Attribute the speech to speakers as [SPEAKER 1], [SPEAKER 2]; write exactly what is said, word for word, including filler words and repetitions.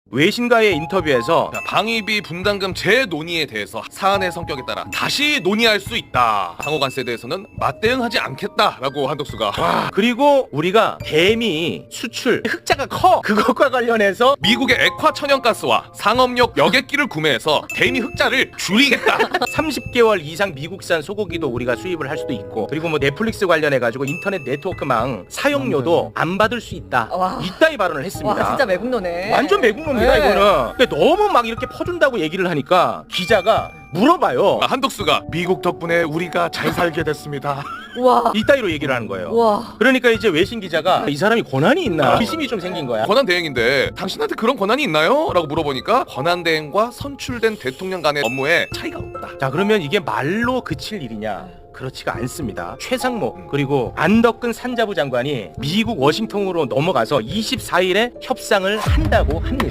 [SPEAKER 1] 외신과의 인터뷰에서
[SPEAKER 2] 방위비 분담금 재논의에 대해서 사안의 성격에 따라 다시 논의할 수 있다. 상호간세에 대해서는 맞대응하지 않겠다라고 한덕수가.
[SPEAKER 1] 와, 그리고 우리가 대미 수출 흑자가 커. 그것과 관련해서
[SPEAKER 2] 미국의 액화 천연가스와 상업용 여객기를 구매해서 대미 흑자를 줄이겠다.
[SPEAKER 1] 삼십 개월 이상 미국산 소고기도 우리가 수입을 할 수도 있고, 그리고 뭐 넷플릭스 관련해 가지고 인터넷 네트워크망 사용료도 안 받을 수 있다.
[SPEAKER 3] 와.
[SPEAKER 1] 이따위 발언을 했습니다.
[SPEAKER 3] 와 진짜 매국노네.
[SPEAKER 1] 완전 매국노입니다.
[SPEAKER 3] 네.
[SPEAKER 1] 이거는. 근데 너무 막 이렇게 퍼준다고 얘기를 하니까 기자가 물어봐요.
[SPEAKER 2] 한덕수가 미국 덕분에 우리가 잘 살게 됐습니다.
[SPEAKER 3] 와.
[SPEAKER 1] 이따위로 얘기를 하는 거예요.
[SPEAKER 3] 와.
[SPEAKER 1] 그러니까 이제 외신 기자가 이 사람이 권한이 있나 의심이 좀 생긴 거야.
[SPEAKER 2] 권한 대행인데 당신한테 그런 권한이 있나요? 라고 물어보니까 권한 대행과 선출된 대통령 간의 업무에 차이가 없다.
[SPEAKER 1] 자, 그러면 이게 말로 그칠 일이냐? 그렇지가 않습니다. 최상목 그리고 안덕근 산자부 장관이 미국 워싱턴으로 넘어가서 이십사 일에 협상을 한다고 합니다.